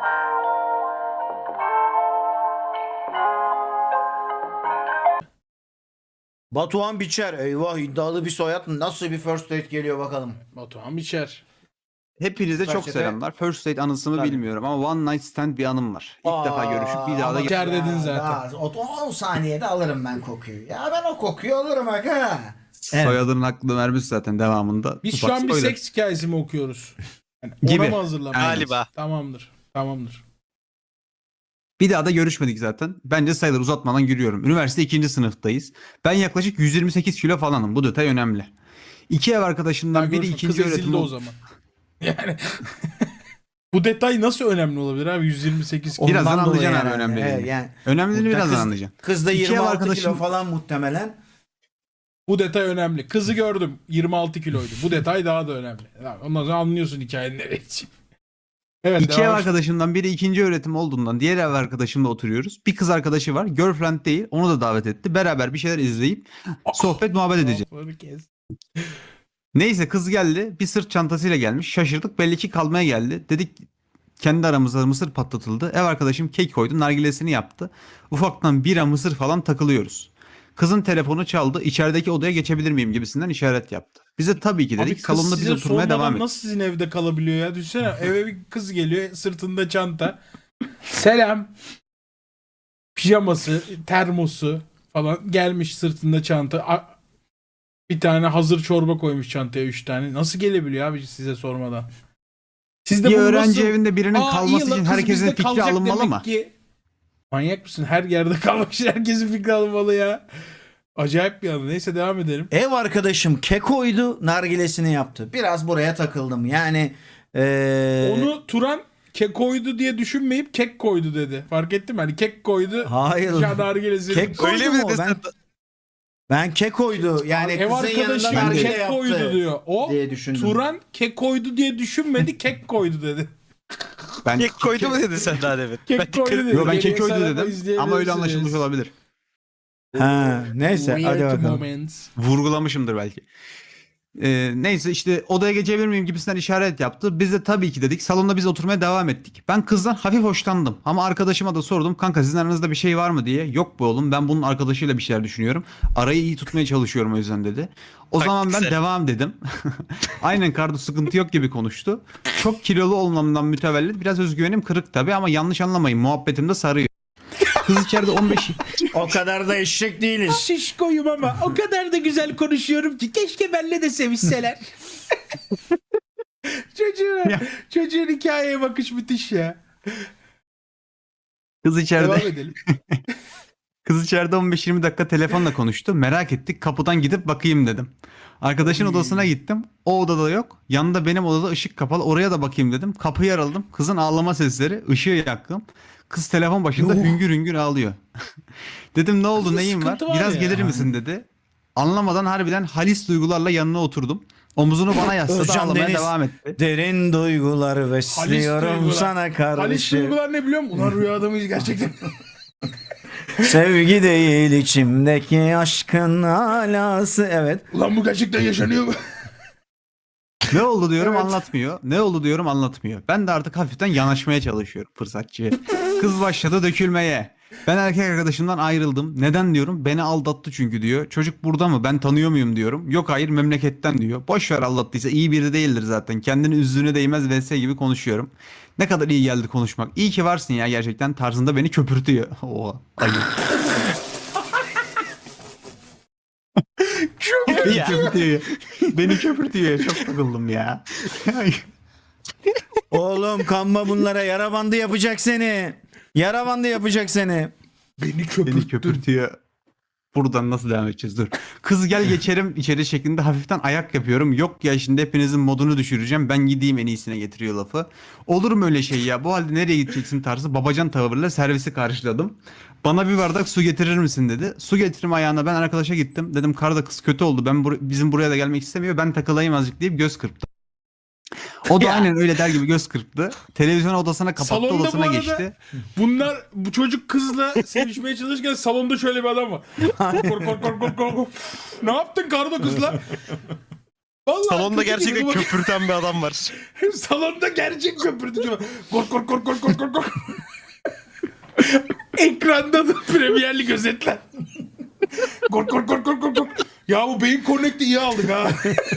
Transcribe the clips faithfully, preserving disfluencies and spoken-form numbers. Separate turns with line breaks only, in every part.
Batuhan Biçer. Eyvah, iddialı bir soyad. Nasıl bir first date geliyor bakalım.
Batuhan Biçer.
Hepinize çok
Kaçete?
selamlar. First date anısımı
Tabii.
bilmiyorum ama one night stand bir anım var. İlk
Aa,
defa görüşüp bir daha da
ama-
Biçer dedin
Ya,
zaten.
daha on saniyede alırım ben kokuyu. Ya ben o kokuyu alırım aga. Evet.
soyadının hakkını vermiş zaten devamında.
Biz
Ufak
şu an bir
spoiler.
seks hikayesi mi okuyoruz? Yani
Gibi.
Ona mı hazırlanıyoruz?
Galiba.
Tamamdır. Tamamdır.
Bir daha da görüşmedik zaten. Bence sayılır, uzatmadan giriyorum. Üniversite ikinci sınıftayız. Ben yaklaşık yüz yirmi sekiz kilo falanım. Bu detay önemli. İki ev arkadaşımdan
Ben
biri
görüşüm,
ikinci
kız ezildi
öğretim
o zaman. Yani bu detay nasıl önemli olabilir abi? yüz yirmi sekiz kilo.
Birazdan
Ondan dolayı
anlayacaksın abi
herhalde.
önemli
Evet,
değil.
yani,
Önemliliğini
Kız-
birazdan anlayacaksın.
Kız da
İki ev
yirmi altı
arkadaşım-
kilo falan muhtemelen.
Bu detay önemli. Kızı gördüm. yirmi altı kiloydu. Bu detay daha da önemli. Yani ondan sonra anlıyorsun hikayenin nereye gideceğini. Evet.
İki ev
devam et.
arkadaşımdan biri ikinci öğretim olduğundan diğer ev arkadaşımla oturuyoruz. Bir kız arkadaşı var. Girlfriend değil. Onu da davet etti. Beraber bir şeyler izleyip sohbet muhabbet edeceğiz.
Lafları kes.
Neyse kız geldi. Bir sırt çantasıyla gelmiş. Şaşırdık. Belli ki kalmaya geldi. Dedik kendi aramızda mısır patlatıldı. Ev arkadaşım kek koydu. Nargilesini yaptı. Ufaktan bira mısır falan takılıyoruz. Kızın telefonu çaldı. İçerideki odaya geçebilir miyim gibisinden işaret yaptı. Bize tabii ki dedik.
Abi kız
Salonda biz
size
oturmaya
sormadan
devam ettik.
nasıl sizin evde kalabiliyor ya? Düşünsene eve bir kız geliyor sırtında çanta. Selam. Pijaması, termosu falan gelmiş sırtında çanta. A- Bir tane hazır çorba koymuş çantaya üç tane. Nasıl gelebiliyor abi size sormadan? Siz de
Bir
bunu
öğrenci
nasıl-
evinde birinin
Aa,
kalması
iyi lan,
için
kız
herkesin
bizde
fikri
kalacak
alınmalı
demek
mı?
ki. Manyak mısın? Her yerde kalmak için herkesin fikri alınmalı ya. Acayip bir anı. Neyse devam edelim.
Ev arkadaşım kekoydu, nargilesini yaptı. Biraz buraya takıldım. Yani ee,
Onu Turan kek koydu diye düşünmeyip kek koydu dedi. Fark ettin mi? Hani kek koydu.
hayır.
Nargilesi.
Kek koydu
Öyle
mu?
mi
Ben,
desen?
ben kekoydu. Yani
Ev
kızın yanında
arkadaşım
nargile
kek
yaptı
koydu diyor. O
diye düşündüm.
Turan kek koydu diye düşünmedi, kek koydu dedi.
Ben
Kek koydu mu dedin sen daha demin?
Kek
Ben
koydu
dikkat-
dedi.
Yo, ben
Geriye
kek koydu
sarıp
dedim ama öyle
izleyebilirsiniz.
anlaşılmış olabilir.
Ha, neyse hadi
Weird
bakalım.
moments.
Vurgulamışımdır belki. Ee, neyse işte odaya geçebilir miyim gibisinden işaret yaptı. Biz de tabii ki dedik. Salonda biz oturmaya devam ettik. Ben kızdan hafif hoşlandım. Ama arkadaşıma da sordum. Kanka sizin aranızda bir şey var mı diye. Yok bu oğlum, ben bunun arkadaşıyla bir şeyler düşünüyorum. Arayı iyi tutmaya çalışıyorum o yüzden dedi. O zaman ben
Taktiksel.
devam dedim. Aynen Kardo, sıkıntı yok gibi konuştu. Çok kilolu olmamdan mütevellit biraz özgüvenim kırık tabii ama yanlış anlamayın, muhabbetimde sarıyor. Kız içeride on beş
O kadar da eşek değiliz.
Şişkoyum ama o kadar da güzel konuşuyorum ki keşke benle de sevişseler. Çocuğun,
Ya.
çocuğun hikayeye bakış müthiş ya.
kız içeride
Devam edelim.
Kız içeride on beş yirmi dakika telefonla konuştu. Merak ettik. Kapıdan gidip bakayım dedim. Arkadaşın
Oy.
odasına gittim. O odada yok. Yanında benim odada ışık kapalı. Oraya da bakayım dedim. Kapıyı araladım. Kızın ağlama sesleri. Işığı yaktım. Kız telefon başında
Yuh.
hüngür hüngür ağlıyor. Dedim ne oldu,
Kızın
neyin var?
sıkıntı var
Biraz
ya.
gelir misin dedi. Anlamadan harbiden halis duygularla yanına oturdum. Omuzunu bana yasladı,
Özcan
ağlamaya
Deniz.
devam etti.
Derin duygular besliyorum
duygular.
sana
Halis
kardeşim.
duygular ne biliyor musun? Ulan rüyada mıyız gerçekten?
Sevgi değil içimdeki aşkın alası. Evet.
Ulan bu gerçekten yaşanıyor mu?
Ne oldu diyorum,
Evet.
anlatmıyor. Ne oldu diyorum, anlatmıyor. Ben de artık hafiften yanaşmaya çalışıyorum fırsatçıya. Kız başladı dökülmeye. Ben erkek arkadaşımdan ayrıldım. Neden diyorum? Beni aldattı çünkü diyor. Çocuk burada mı? Ben tanıyor muyum diyorum. Yok hayır, memleketten diyor. Boş ver, aldattıysa iyi biri değildir zaten. Kendini üzdüğüne değmez vs gibi konuşuyorum. Ne kadar iyi geldi konuşmak. İyi ki varsın ya gerçekten tarzında beni köpürtüyor. Oha. Ayıp. Beni köpürtüyor. Beni köpürtüyor. Çok takıldım ya.
Oğlum kanma bunlara, yara bandı yapacak seni. Yara bandı yapacak seni.
Beni
Beni
köpürttün.
köpürtüyor. Buradan nasıl devam edeceğiz? Dur. Kız gel geçerim içeri şeklinde hafiften ayak yapıyorum. Yok ya şimdi hepinizin modunu düşüreceğim. Ben gideyim en iyisine getiriyor lafı. Olur mu öyle şey ya? Bu halde nereye gideceksin tarzı babacan tavırla servisi karşıladım. Bana bir bardak su getirir misin dedi. Su getirme ayağına ben arkadaşa gittim. Dedim karda kız kötü oldu. Ben bur- bizim buraya da gelmek istemiyor. Ben takılayım azıcık deyip göz kırptı. O da
Ya.
aynen öyle der gibi göz kırptı. Televizyon odasına kapattı,
Salonda bu
odasına
arada-
geçti.
Bunlar bu çocuk kızla sevişmeye çalışırken salonda şöyle bir adam var. Kork kork kork kork kork. Ne yaptın kardo kızla? Vallahi
Salonda
kötü
gerçekten
gibi bak-
köpürten bir adam var.
Salonda gerçek köpürtücü var. Kork kork kork kork kork kork. Güvenlik gözetler. Kork kork kork kork kork. kork. Ya bu beyin connect'i iyi aldık ha.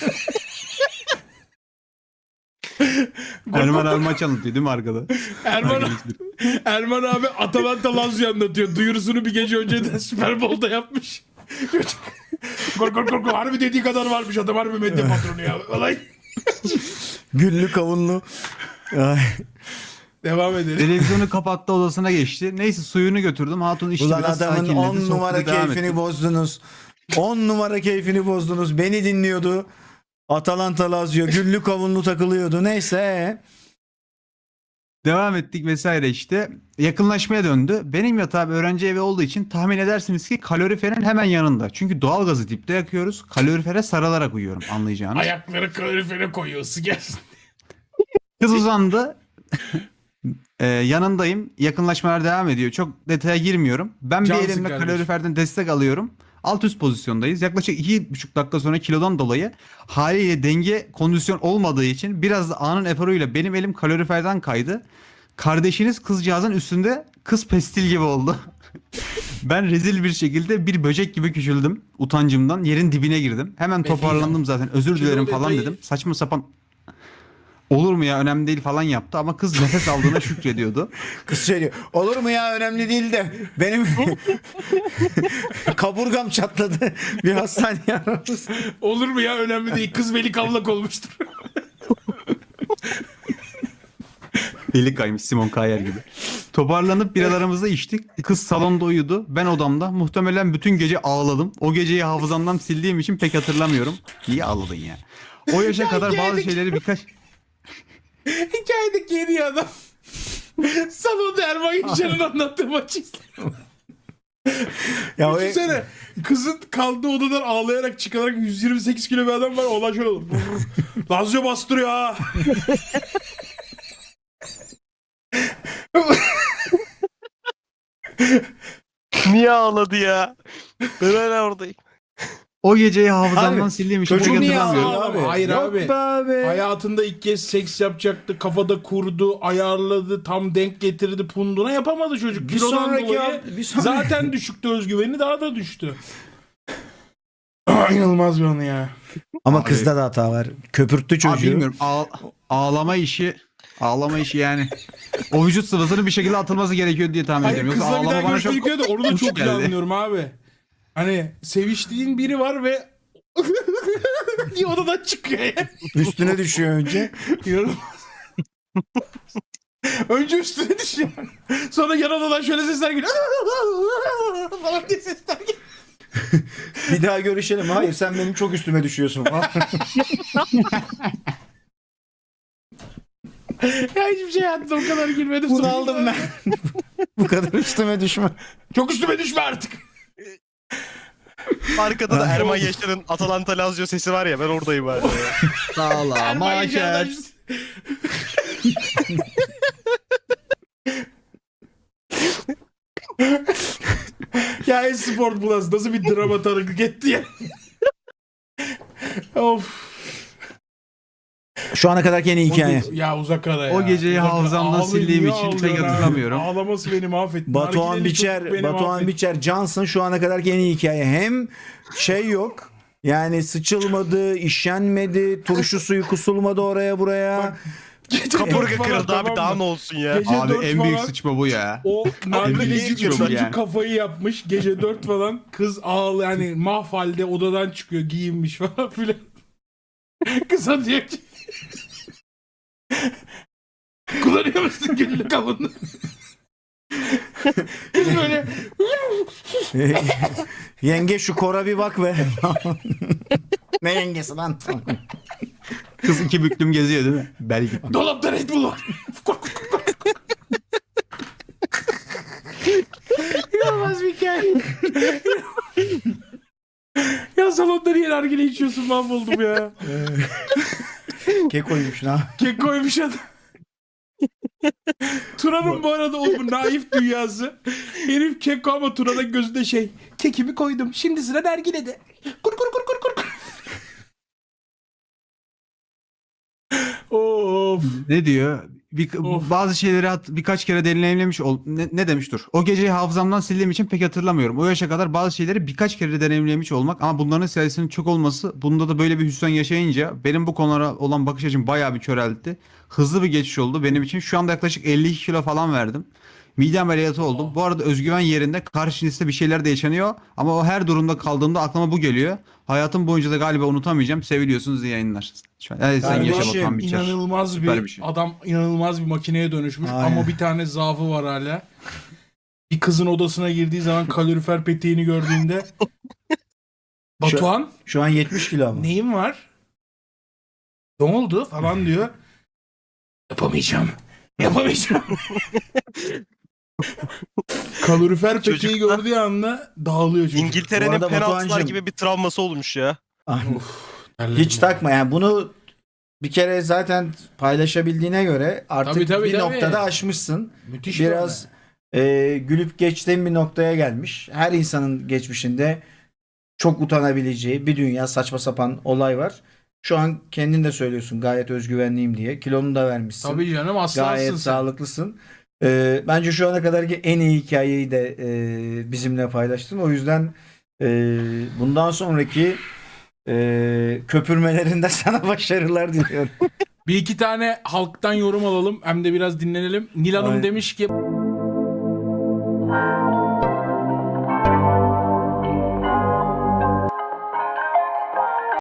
Erman abi maç anlatıyor değil mi arkada?
Erman, Erman abi Atalanta Lazio anlatıyor. Duyurusunu bir gece önceden Super Bowl'da yapmış. Kork kork kork. Harbi dediği kadar varmış adam. Harbi medya patronu ya. Olay.
Güllü kavunlu. Ay.
Devam edelim.
Televizyonu kapattı, odasına geçti. Neyse suyunu götürdüm. Hatun içti,
Ulan
biraz
adamın
sakinledi.
on numara
Sohbete devam
keyfini
ettik.
bozdunuz. on numara keyfini bozdunuz. Beni dinliyordu. Atalanta Lazio güllü kavunlu takılıyordu. Neyse.
Devam ettik vesaire işte. Yakınlaşmaya döndü. Benim yatağım öğrenci evi olduğu için tahmin edersiniz ki kaloriferin hemen yanında. Çünkü doğalgazı dipte yakıyoruz. Kalorifere sarılarak uyuyorum, anlayacağınız.
Ayakları kalorifere koyuyor. Isı gelsin.
Kız uzandı. Ee, yanındayım. Yakınlaşmalar devam ediyor. Çok detaya girmiyorum. Ben
Cansın
bir elimle
kardeşim.
kaloriferden destek alıyorum. Alt üst pozisyondayız. Yaklaşık iki buçuk dakika sonra kilodan dolayı haliyle denge kondisyon olmadığı için biraz da anın eforuyla benim elim kaloriferden kaydı. Kardeşiniz kızcağızın üstünde kız pestil gibi oldu. Ben rezil bir şekilde bir böcek gibi küçüldüm. Utancımdan yerin dibine girdim. Hemen
Peki,
toparlandım zaten. Özür
kilo
dilerim falan
detayı-
dedim. Saçma sapan olur mu ya, önemli değil falan yaptı ama kız nefes aldığına şükrediyordu.
Kız şey diyor. Olur mu ya, önemli değil de benim kaburgam çatladı. Bir hastaneye aramız.
Olur mu ya, önemli değil. Kız veli kavlak olmuştur.
Eli kaymış Simon Kayer gibi. Toparlanıp biralarımızı içtik. Kız salonda uyudu. Ben odamda. Muhtemelen bütün gece ağladım. O geceyi hafızamdan sildiğim için pek hatırlamıyorum. Niye ağladın ya? O yaşa kadar bazı
geldik.
şeyleri birkaç...
Hikayedeki yeni adam. Salonda Erman Yaşar'ın anlattığı maçı izliyor.
Ya o-
Düşünsene. Kızın kaldığı odadan ağlayarak çıkarak yüz yirmi sekiz kilo bir adam var. Olay şöyle olur. Lazio bastırıyor ha.
Niye ağladı ya? Ben hala oradayım.
O geceyi hafızamdan
Abi,
sildiğim için pek
çocuk niye
hatırlamıyorum.
ağlıyor abi?
Hayır
Yok
abi.
be abi.
Hayatında ilk kez seks yapacaktı. Kafada kurdu, ayarladı, tam denk getirdi punduna, yapamadı çocuk.
Bir
Kilodan
sonraki
dolayı
hafta- bir sonraki-
zaten düşüktü özgüveni, daha da düştü. Aa, İnanılmaz bir anı ya.
Ama
Abi-
kızda da hata var. Köpürttü
Abi
çocuğu.
bilmiyorum. Ağ- ağlama işi... Ağlama işi yani. O vücut sıvısının bir şekilde atılması gerekiyor diye tahmin
Hayır,
ediyorum. Yoksa
kızla bir daha
ağlama bana çok...
görüştük de onu da
hoş
çok iyi
geldi.
anlıyorum abi. Hani seviştiğin biri var ve diye odadan çıkıyor ya.
Üstüne düşüyor önce.
İnanılmaz. Önce üstüne düşüyor. Sonra yan odadan şöyle sesler geliyor. Falan diye sesler geliyor.
Bir daha görüşelim. Hayır, sen benim çok üstüme düşüyorsun falan.
Ya hiçbir şey hayatımda o kadar girmedim.
Bunu aldım ben. Bu kadar üstüme düşme.
Çok üstüme düşme artık.
Arkada da Erman Yaşar'ın Atalanta Lazio sesi var ya, ben oradayım hala ya.
Sağlama
Erman Yaşar'dan-
Yaşar.
Ya Esport Plus nasıl bir drama tanıklık etti ya. Of.
Şu ana kadarki en iyi hikaye.
Ya uzak ara ya.
O geceyi
Uzak ara.
hafızamdan
Ağlayın,
sildiğim
niye
için pek
ağlıyorsun abi?
hatırlamıyorum.
Ağlaması beni mahvetti.
Batuhan
Nargileli
Biçer,
çocuk beni
Batuhan
mahvetti.
Biçer, Johnson şu ana kadarki en iyi hikaye. Hem şey yok. Yani sıçılmadı, işenmedi, turşu suyu kusulmadı oraya buraya.
Gece
Kaburga
dört falan,
kırıldı abi,
tamam
daha
mı?
ne olsun ya.
Gece
Abi
dört
en büyük
falan,
sıçma bu ya.
o nargileci
büyük sıçma bu
çocuk
yani.
kafayı yapmış. Gece dört falan kız ağlı, yani mahvalde odadan çıkıyor, giyinmiş falan filan. Kıza diyor ki kullanıyor musun günlük avını? Kız böyle
Yenge şu kora bir bak be. Ne yengesi lan?
Kız iki büklüm geziyor değil mi? Belki.
dolapta Red Bull var. Kork, kork, kork, kork. İnanılmaz bir hikaye. Ya salonda niye nargile içiyorsun, mahvoldum ya.
Kekoymuş lan.
Kek koymuş adam. Turan'ın bu arada o bu naif dünyası. Herif kek ama Turan'ın gözünde şey. Kekimi koydum. Şimdi sıra nargilede. Kur kur kur kur kur. kur. Of.
Ne diyor? bir,
Of.
bazı şeyleri hat- birkaç kere deneyimlemiş ol ne, ne demiş dur. O geceyi hafızamdan sildiğim için pek hatırlamıyorum. O yaşa kadar bazı şeyleri birkaç kere deneyimlemiş olmak ama bunların sayısının çok olması, bunda da böyle bir hüsran yaşayınca benim bu konulara olan bakış açım bayağı bir köreldi. Hızlı bir geçiş oldu benim için. Şu anda yaklaşık elli iki kilo falan verdim. Mide ameliyatı oldum. Bu arada özgüven yerinde, karşınızda bir şeyler de yaşanıyor ama o her durumda kaldığımda aklıma bu geliyor. Hayatım boyunca da galiba unutamayacağım. Seviliyorsunuz, iyi yayınlar. Şu an, yani sen
Kardeşim,
yaşa Batuhan Biçer.
İnanılmaz
Süper
bir,
bir şey.
adam inanılmaz bir makineye dönüşmüş
Aynen.
ama bir tane zaafı var hala. Bir kızın odasına girdiği zaman kalorifer peteğini gördüğünde Batuhan
Şu an yetmiş kilo ama.
neyin var? Ne oldu falan diyor. Yapamayacağım. Yapamayacağım. Kalorifer peteği
Çocuk-
gördüğü anda dağılıyor çocuk.
Bu
İngiltere'nin
arada
penaltılar
Batuhan'cığım-
gibi bir travması olmuş ya.
Ah,
Terledim
Hiç
ya.
takma yani bunu bir kere zaten paylaşabildiğine göre artık
Tabii, tabii,
bir
tabii.
noktada aşmışsın.
Müthiş
Biraz e, gülüp geçtiğin bir noktaya gelmiş. Her insanın geçmişinde çok utanabileceği bir dünya saçma sapan olay var. Şu an kendin de söylüyorsun gayet özgüvenliyim diye. Kilonu da vermişsin.
Tabii canım aslansın
Gayet
sen.
sağlıklısın. E, bence şu ana kadarki en iyi hikayeyi de e, bizimle paylaştın. O yüzden e, bundan sonraki e, köpürmelerinde sana başarılar diliyorum.
Bir iki tane halktan yorum alalım hem de biraz dinlenelim. Nil Hanım
Aynen.
demiş ki